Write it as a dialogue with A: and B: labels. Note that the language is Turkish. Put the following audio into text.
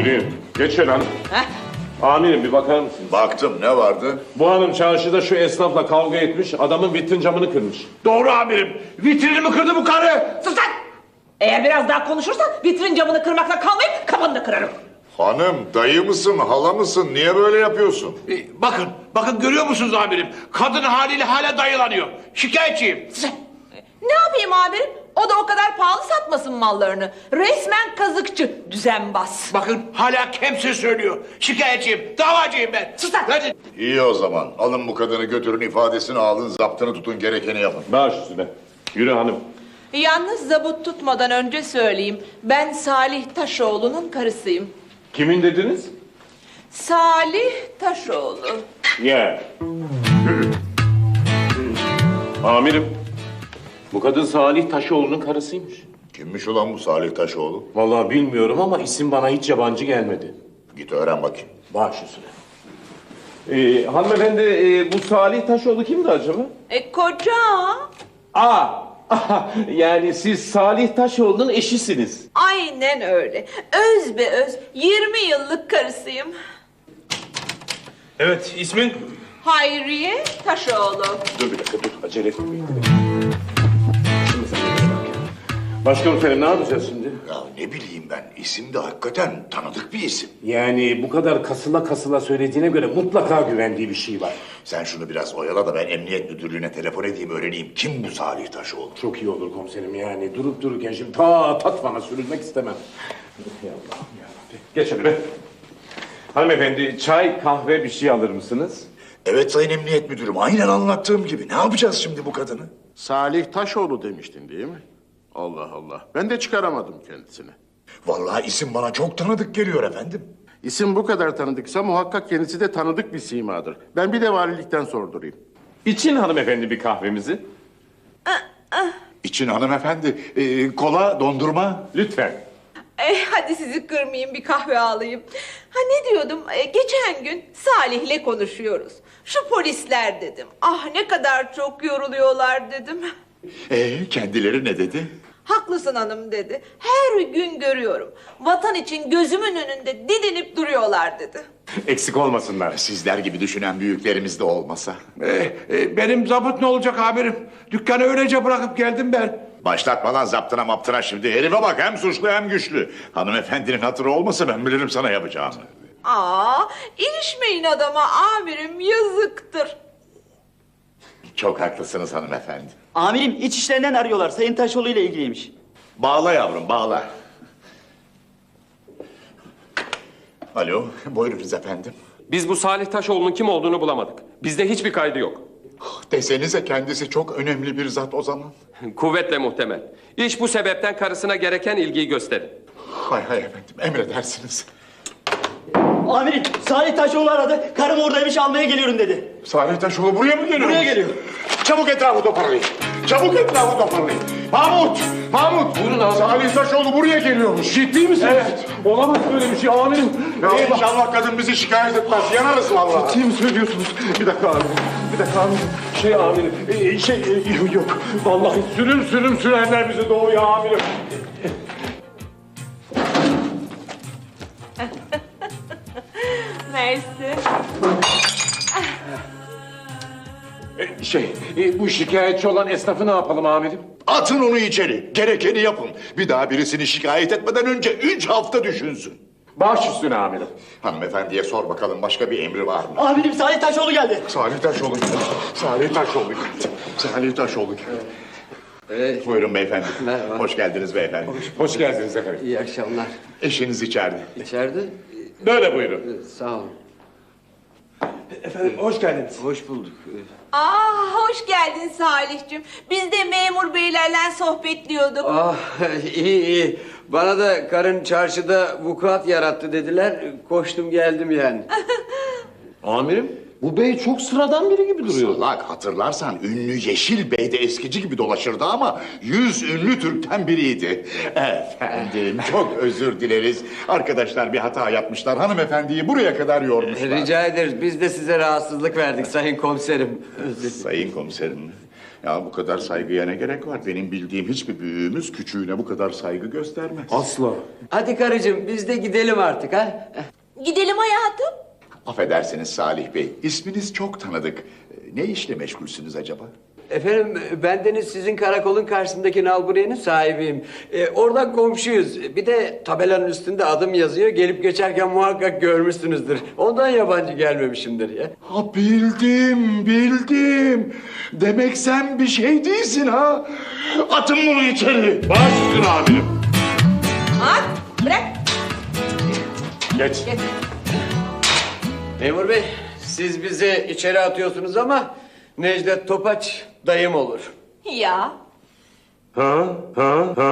A: Yürüyün. Geç şöyle hanım. Amirim bir bakar mısınız?
B: Baktım, ne vardı?
A: Bu hanım çarşıda şu esnafla kavga etmiş, adamın vitrin camını kırmış.
B: Doğru amirim. Vitrinimi kırdı bu karı.
C: Sus lan! Eğer biraz daha konuşursan vitrin camını kırmakla kalmayıp kafanı da kırarım.
B: Hanım, dayı mısın, hala mısın? Niye böyle yapıyorsun?
D: Bakın görüyor musunuz amirim? Kadın haliyle hala dayılanıyor. Şikayetçiyim.
C: Ne yapayım amirim? O da o kadar pahalı satmasın mallarını. Resmen kazıkçı, düzenbaz.
D: Bakın hala kemse söylüyor. Şikayetçiyim, davacıyım ben.
C: Sus lan!
D: Hadi.
B: İyi o zaman. Alın bu kadını götürün, ifadesini alın, zaptını tutun, gerekeni yapın.
A: Baş üstüne. Yürü hanım.
C: Yalnız zabut tutmadan önce söyleyeyim. Ben Salih Taşoğlu'nun karısıyım.
A: Kimin dediniz?
C: Salih Taşoğlu.
A: Ya. Amirim. Bu kadın Salih Taşoğlu'nun karısıymış.
B: Kimmiş ulan bu Salih Taşoğlu?
A: Vallahi bilmiyorum ama isim bana hiç yabancı gelmedi.
B: Git öğren bakayım.
A: Baş üstüne. Hanımefendi bu Salih Taşoğlu kimdi acaba?
C: Koca.
A: Yani siz Salih Taşoğlu'nun eşisiniz.
C: Aynen öyle. Öz be öz 20 yıllık karısıyım.
D: Evet, ismin?
C: Hayriye Taşoğlu.
A: Dur bir dakika dur acele etmeyin. Şimdi sen de bak. Başkomiserim ne yapacağız şimdi?
B: Ya ne bileyim ben, isim de hakikaten tanıdık bir isim.
A: Yani bu kadar kasıla kasıla söylediğine göre mutlaka güvendiği bir şey var.
B: Sen şunu biraz oyala da ben emniyet müdürlüğüne telefon edeyim, öğreneyim. Kim bu Salih Taşoğlu?
A: Çok iyi olur komiserim yani durup dururken şimdi ta Tatvan'a sürülmek istemem. Ya Allah'ım yarabbim. Geç hadi be. Hanımefendi çay kahve bir şey alır mısınız?
B: Evet sayın emniyet müdürüm, aynen anlattığım gibi. Ne yapacağız şimdi bu kadını?
E: Salih Taşoğlu demiştin değil mi? Allah Allah. Ben de çıkaramadım kendisini.
B: Vallahi isim bana çok tanıdık geliyor efendim.
E: İsim bu kadar tanıdıksa muhakkak kendisi de tanıdık bir simadır. Ben bir de valilikten sordurayım.
A: İçin hanımefendi bir kahvemizi.
B: İçin hanımefendi, kola, dondurma.
A: Lütfen.
C: Hadi sizi kırmayayım bir kahve alayım. Ha ne diyordum? Geçen gün Salih'le konuşuyoruz. Şu polisler dedim. Ah ne kadar çok yoruluyorlar dedim.
B: Kendileri ne dedi?
C: Haklısın hanım dedi. Her gün görüyorum. Vatan için gözümün önünde didinip duruyorlar dedi.
A: Eksik olmasınlar.
B: Sizler gibi düşünen büyüklerimiz de olmasa.
D: Benim zabıt ne olacak amirim? Dükkanı öylece bırakıp geldim ben.
B: Başlatma lan zaptına maptına şimdi. Herife bak, hem suçlu hem güçlü. Hanımefendinin hatırı olmasa ben bilirim sana yapacağımı.
C: İlişmeyin adama amirim yazıktır.
B: Çok haklısınız hanımefendi.
F: Amirim iç işlerinden arıyorlar. Sayın Taşoğlu ile ilgiliymiş.
B: Bağla yavrum, bağla. Alo, buyurunuz efendim.
G: Biz bu Salih Taşoğlu'nun kim olduğunu bulamadık. Bizde hiçbir kaydı yok.
B: Desenize kendisi çok önemli bir zat o zaman.
G: Kuvvetle muhtemel. İş bu sebepten karısına gereken ilgiyi gösterin.
B: Hay hay efendim, emredersiniz.
F: Amirim Salih Taşoğlu aradı. Karım oradaymış almaya geliyorum dedi.
B: Salih Taşoğlu buraya mı geliyor?
F: Buraya geliyor.
B: Çabuk etrafı toparlayın. Çabuk etrafı toparlayın. Mahmut! Mahmut!
A: Buyurun abi.
B: Salih Taşoğlu buraya geliyormuş.
A: Ciddi misiniz? Evet. Olamaz böyle bir şey amirim.
B: Ya inşallah kadın bizi şikayet etmez. Yanarız vallahi.
A: Ciddi mi söylüyorsunuz? Bir dakika amirim. Bir dakika amirim. Yok. Vallahi sürüm sürerler bize doğuya amirim.
C: Mersi.
A: Bu şikayetçi olan esnafı ne yapalım amirim?
B: Atın onu içeri. Gerekeni yapın. Bir daha birisini şikayet etmeden önce 3 hafta düşünsün.
A: Baş üstüne amirim.
B: Hanımefendiye sor bakalım, başka bir emri var mı?
F: Amirim Salih Taşoğlu geldi.
B: Salih Taşoğlu geldi. Salih Taşoğlu geldi. Salih Taşoğlu geldi. Buyurun beyefendi.
H: Merhaba.
B: Hoş geldiniz beyefendi.
A: Hoş geldiniz efendim.
H: İyi akşamlar.
B: Eşiniz içeride.
H: İçeride
A: Böyle buyurun.
H: sağ olun.
D: Efendim hoş geldiniz.
H: Hoş bulduk.
C: Hoş geldin Salih'cim. Biz de memur beylerle sohbetliyorduk.
H: İyi. Bana da karın çarşıda vukuat yarattı dediler. Koştum geldim yani.
A: Amirim bu bey çok sıradan biri gibi duruyor.
B: Salak, hatırlarsan ünlü Yeşil Bey de eskici gibi dolaşırdı ama 100 ünlü Türk'ten biriydi. Efendim çok özür dileriz. Arkadaşlar bir hata yapmışlar. Hanımefendiyi buraya kadar yormuşlar.
H: Rica ederiz. Biz de size rahatsızlık verdik sayın komiserim.
B: Sayın komiserim. Ya bu kadar saygıya ne gerek var? Benim bildiğim hiçbir büyüğümüz küçüğüne bu kadar saygı göstermez.
A: Asla.
H: Hadi karıcığım biz de gidelim artık ha.
C: Gidelim hayatım.
B: Affedersiniz Salih Bey, isminiz çok tanıdık. Ne işle meşgulsünüz acaba?
H: Efendim bendeniz sizin karakolun karşısındaki nalburiyenin sahibiyim. Oradan komşuyuz. Bir de tabelanın üstünde adım yazıyor. Gelip geçerken muhakkak görmüşsünüzdür. Ondan yabancı gelmemişimdir ya.
B: Ha bildim. Demek sen bir şey değilsin ha. Atın bunu içeri.
A: Baş üstüne amirim.
C: At, bırak.
A: Geç.
H: Memur bey siz bizi içeri atıyorsunuz ama Necdet Topaç dayım olur.
C: Ya.
A: Ha?